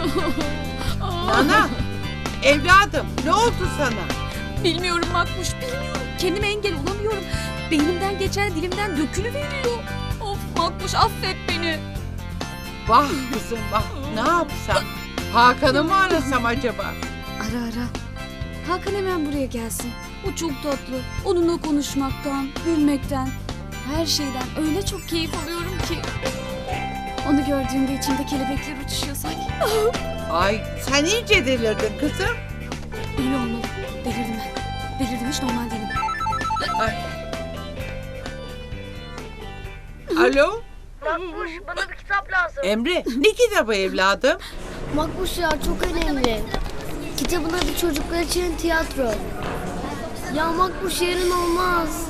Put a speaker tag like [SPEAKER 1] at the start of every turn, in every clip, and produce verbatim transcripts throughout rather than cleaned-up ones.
[SPEAKER 1] Nana, evladım ne oldu sana?
[SPEAKER 2] Bilmiyorum Makbuş, bilmiyorum. Kendime engel olamıyorum. Beynimden geçen dilimden dökülüveriyor. Of Makbuş, affet beni.
[SPEAKER 1] Vah kızım vah, ne yapsam? Hakan'ı mı arasam acaba?
[SPEAKER 2] Ara ara. Hakan hemen buraya gelsin. O çok tatlı. Onunla konuşmaktan, gülmekten, her şeyden öyle çok keyif alıyorum ki. Onu gördüğümde içimde kelebekler uçuşuyor sanki.
[SPEAKER 1] Ay sen iyice delirdin kızım.
[SPEAKER 2] Öyle olmalı. Delirdim ben. Delirdim, hiç normal değilim.
[SPEAKER 1] Ay. Alo,
[SPEAKER 3] Makbuş, bana bir kitap lazım.
[SPEAKER 1] Emre ne kitabı evladım?
[SPEAKER 3] Makbuş ya, çok önemli. Kitabın adı Çocuklar için Tiyatro. Ya Makbuş, yarın olmaz.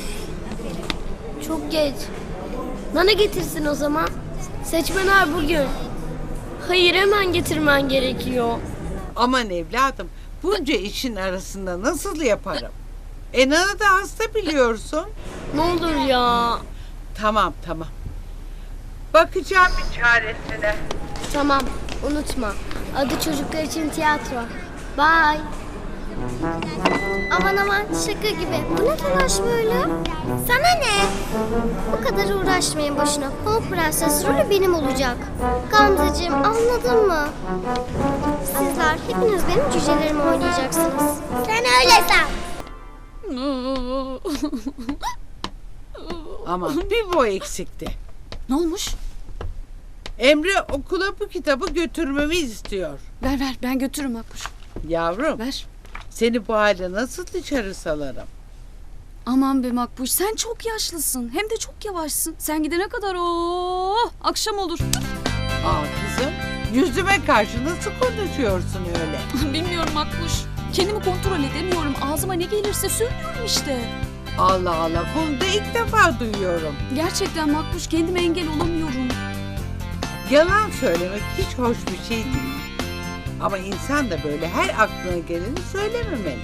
[SPEAKER 3] Çok geç. Nana getirsin o zaman. Seçmenler bugün. Hayır, hemen getirmen gerekiyor.
[SPEAKER 1] Aman evladım, bunca işin arasında nasıl yaparım? E Nana da hasta biliyorsun.
[SPEAKER 3] Ne olur ya.
[SPEAKER 1] Tamam tamam. Bakacağım bir çaresine.
[SPEAKER 3] Tamam, unutma. Adı Çocuklar için Tiyatro. Bye. Aman aman, şaka gibi. Bu ne telaş böyle? Sana ne? Bu kadar uğraşmayın boşuna. Pamuk Prenses rolü benim olacak. Gamzeciğim, anladın mı? Sizler hepiniz benim cücelerimi oynayacaksınız. Sen öyle san.
[SPEAKER 1] Ama bir bu eksikti.
[SPEAKER 2] Ne olmuş?
[SPEAKER 1] Emre okula bu kitabı götürmemi istiyor.
[SPEAKER 2] Ver ver, ben götürürüm Makbuş.
[SPEAKER 1] Yavrum,
[SPEAKER 2] Ver.
[SPEAKER 1] seni bu halde nasıl dışarı salarım?
[SPEAKER 2] Aman be Makbuş, sen çok yaşlısın. Hem de çok yavaşsın. Sen gidene kadar oh, akşam olur.
[SPEAKER 1] Aa kızım, yüzüme karşı nasıl konuşuyorsun öyle?
[SPEAKER 2] Bilmiyorum Makbuş. Kendimi kontrol edemiyorum. Ağzıma ne gelirse söylüyorum işte.
[SPEAKER 1] Allah Allah, bunu da ilk defa duyuyorum.
[SPEAKER 2] Gerçekten Makbuş, kendime engel olamıyorum.
[SPEAKER 1] Yalan söylemek hiç hoş bir şey değil. Ama insan da böyle her aklına geleni söylememeli.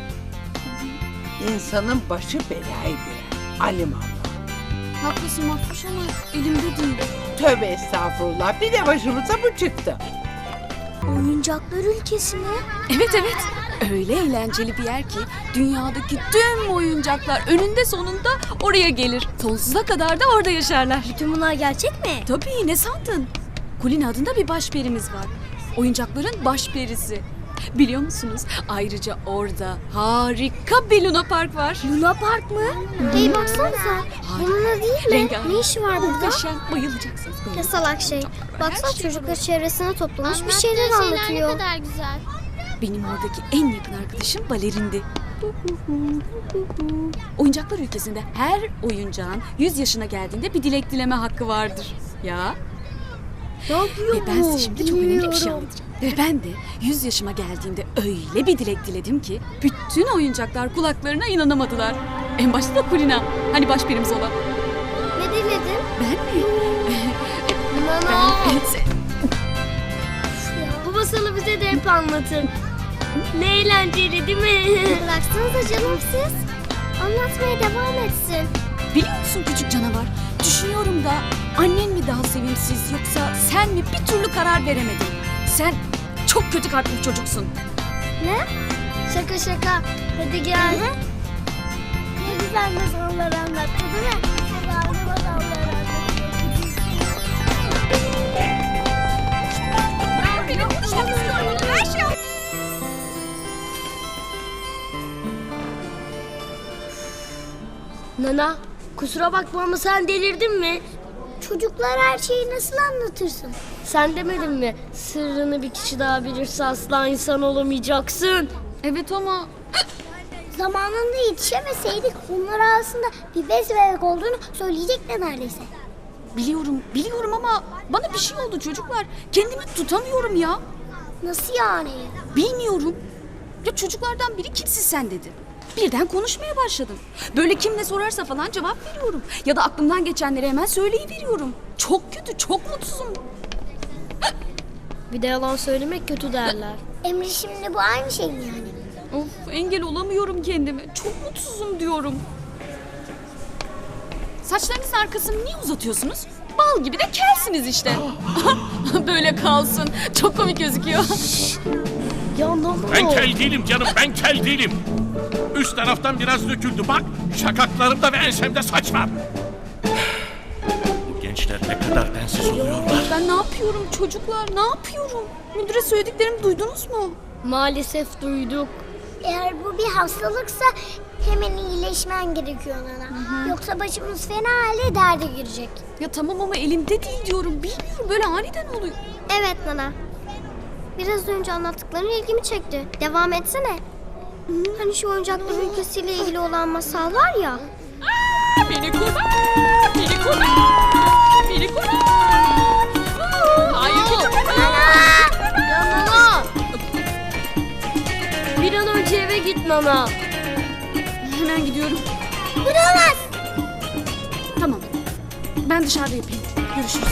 [SPEAKER 1] İnsanın başı belaya girer. Alimallah.
[SPEAKER 2] Haklısın Makbuş ama elimde değil.
[SPEAKER 1] Tövbe estağfurullah. Bir de başımıza bu çıktı.
[SPEAKER 3] Oyuncaklar ülkesine.
[SPEAKER 2] Evet evet. Öyle eğlenceli bir yer ki dünyadaki tüm oyuncaklar önünde sonunda oraya gelir. Sonsuza kadar da orada yaşarlar.
[SPEAKER 3] Bütün bunlar gerçek mi?
[SPEAKER 2] Tabii, ne sandın? Kulin adında bir başperimiz var. Oyuncakların başperisi. Biliyor musunuz? Ayrıca orada harika bir Luna Park var.
[SPEAKER 3] Luna Park mı? Hey baksanıza. Bununla değil mi?
[SPEAKER 2] Rengarenk.
[SPEAKER 3] Ne işi var burada?
[SPEAKER 2] Muhteşem. Bayılacaksınız.
[SPEAKER 3] Ne salak şey. Baksana, çocuklar çevresine toplamış bir şeyler anlatıyor. Ne kadar güzel.
[SPEAKER 2] Benim oradaki en yakın arkadaşım balerindi. Oyuncaklar ülkesinde her oyuncağın yüz yaşına geldiğinde bir dilek dileme hakkı vardır. Ya.
[SPEAKER 3] Ne yapıyor
[SPEAKER 2] Ve ben
[SPEAKER 3] bu?
[SPEAKER 2] size şimdi çok önemli bir şey
[SPEAKER 3] Bilmiyorum.
[SPEAKER 2] anlatacağım. Ve ben de yüz yaşıma geldiğimde öyle bir dilek diledim ki bütün oyuncaklar kulaklarına inanamadılar. En başta da Kulina. Hani başperimiz olan.
[SPEAKER 3] Ne diledin?
[SPEAKER 2] Ben mi?
[SPEAKER 3] Nana.
[SPEAKER 2] Ben...
[SPEAKER 3] Bu masalı bize de hep anlatır. Ne eğlenceli değil mi? Bıraksanıza canım siz. Anlatmaya devam etsin.
[SPEAKER 2] Biliyor musun küçük canavar? Düşünüyorum da annen mi daha sevimsiz yoksa sen mi, bir türlü karar veremedin. Sen çok kötü kalpli bir çocuksun.
[SPEAKER 3] Ne? Şaka şaka. Hadi gel. Ne güzel masallar anlattı değil mi? Güzel masallar anlattı. Nana, kusura bakma ama sen delirdin mi? Çocuklar her şeyi nasıl anlatırsın? Sen demedin mi? Sırrını bir kişi daha bilirse asla insan olamayacaksın.
[SPEAKER 2] Evet ama
[SPEAKER 4] Zamanında yetişemeseydik onlar arasında bir bez bebek olduğunu söyleyecekler neredeyse.
[SPEAKER 2] biliyorum, biliyorum ama bana bir şey oldu çocuklar. Kendimi tutamıyorum ya.
[SPEAKER 4] Nasıl yani?
[SPEAKER 2] Bilmiyorum. Ya çocuklardan biri kimsin sen dedi. Birden konuşmaya başladım. Böyle kim ne sorarsa falan cevap veriyorum. Ya da aklımdan geçenleri hemen söyleyiveriyorum. Çok kötü, çok mutsuzum.
[SPEAKER 3] Bir de yalan söylemek kötü derler.
[SPEAKER 4] Emre, şimdi bu aynı şey mi yani?
[SPEAKER 2] Of, engel olamıyorum kendime. Çok mutsuzum diyorum. Saçlarınızın arkasını niye uzatıyorsunuz? Bal gibi de kelsiniz işte. Böyle kalsın. Çok komik gözüküyor.
[SPEAKER 3] Ya ne oldu?
[SPEAKER 5] Ben kel değilim canım, ben kel değilim. Üst taraftan biraz döküldü bak. Şakaklarımda ve ensemde saç var. Bu gençler ne kadar densiz oluyorlar.
[SPEAKER 2] Ben ne yapıyorum çocuklar? Ne yapıyorum? Müdüre söylediklerimi duydunuz mu?
[SPEAKER 3] Maalesef duyduk.
[SPEAKER 4] Eğer bu bir hastalıksa hemen iyileşmen gerekiyor Nana. Yoksa başımız fena halde derde girecek.
[SPEAKER 2] Ya tamam ama elimde değil diyorum. Bilmiyorum, böyle aniden oluyor.
[SPEAKER 3] Evet Nana. Biraz önce anlattıkların ilgimi çekti. Devam etsene. Hani şu oyuncaklar ülkesiyle ilgili olan masal var ya.
[SPEAKER 2] Beni kurtar! Beni kurtar! Beni kurtar! Hayır küçük
[SPEAKER 3] Ya Nana! Bir an önce eve git Nana.
[SPEAKER 2] Hemen gidiyorum.
[SPEAKER 4] Bulamaz.
[SPEAKER 2] Tamam. Ben dışarıda yapayım. Görüşürüz.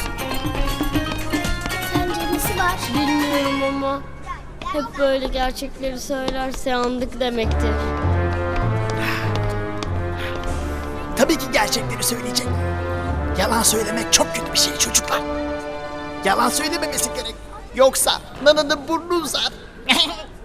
[SPEAKER 4] Sence nesi var?
[SPEAKER 3] Bilmiyorum ama hep böyle gerçekleri söylerse yandık demektir.
[SPEAKER 6] Tabii ki gerçekleri söyleyecek. Yalan söylemek çok kötü bir şey çocuklar. Yalan söylememesi gerek. Yoksa Nana'nın burnu uzar.